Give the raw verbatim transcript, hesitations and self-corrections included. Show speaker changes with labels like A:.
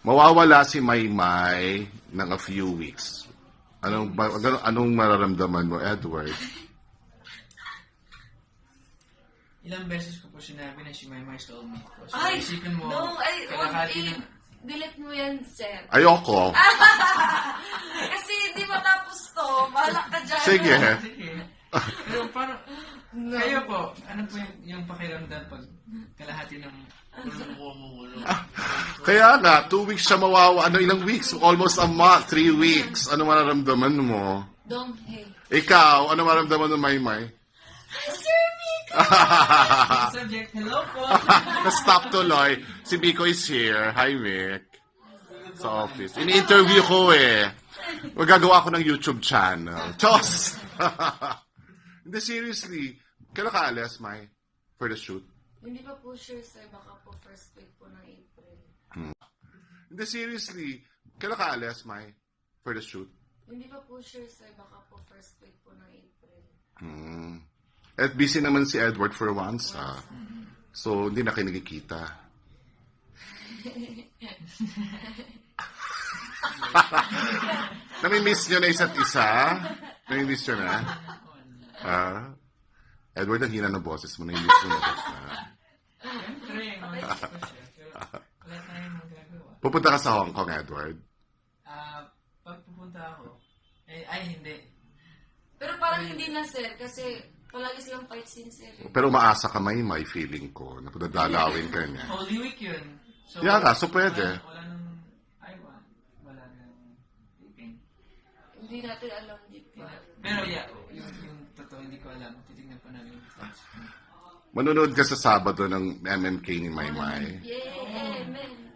A: Mawawala si Maymay ng a few weeks. Anong, ba- anong, anong mararamdaman mo, Edward?
B: Ilang beses ko po sinabi na si Maymay soulmate ko. So,
C: Ay,
B: isipin mo,
C: no, ay, wag,
B: kalahati
C: eh,
B: ng...
C: delete mo yan, sir.
A: Ayoko.
C: Kasi di matapos to, malak ka dyan.
A: Sige.
B: Sige. Pero parang, kayo po, ano po yung, yung pakiramdam pag kalahati ng...
A: Kaya nga, two weeks siya mawawa. Ano, ilang weeks? Almost a month, three weeks. Ano mararamdaman mo?
C: Dong, hey.
A: Ikaw, ano mararamdaman mo, Maymay?
C: Sir Mika!
B: Subject, hello po.
A: Na-stop tuloy. Si Biko is here. Hi, Mick. Sa office. Ini-interview ko eh. Magagawa ko ng YouTube channel. Chos! Hindi, seriously. Kailan ka alas, May? For the shoot?
C: Hindi pa po sure, sir. Baka po first week po ng April.
A: Hindi, seriously. Kailan ka alas, May? For the shoot?
C: Hindi pa po sure, sir. Baka po first week po ng April.
A: Hmm. At busy naman si Edward for once, ha? So, hindi na kayo nagkikita. Nami-miss nyo na isa't isa? Nami-miss nyo na? Ah? Edward, ang hina ng boses mo. Nami-miss mo na ba siya?
B: Siyempre, mga ko siya. Pero wala tayong magagawa.
A: Pupunta ka sa Hong Kong, Edward?
B: Ah, pag pupunta ako, eh, ay hindi.
C: Pero parang hindi na, sir. Kasi palagi silang fight scene, sir.
A: Pero umaasa ka, may may feeling ko na dadalawin ka niya.
B: Holy Week yun. So,
A: Yeah nga, so pwede.
B: Wala, wala nang, ay, wala, wala nang taping.
C: Hindi natin alam deep yun.
B: Pero yeah, yung, yung totoo, hindi ko alam. Titignan pa namin yung footage.
A: Manonood ka sa Sabado ng M M K ni Maymay.
C: Yeah, amen.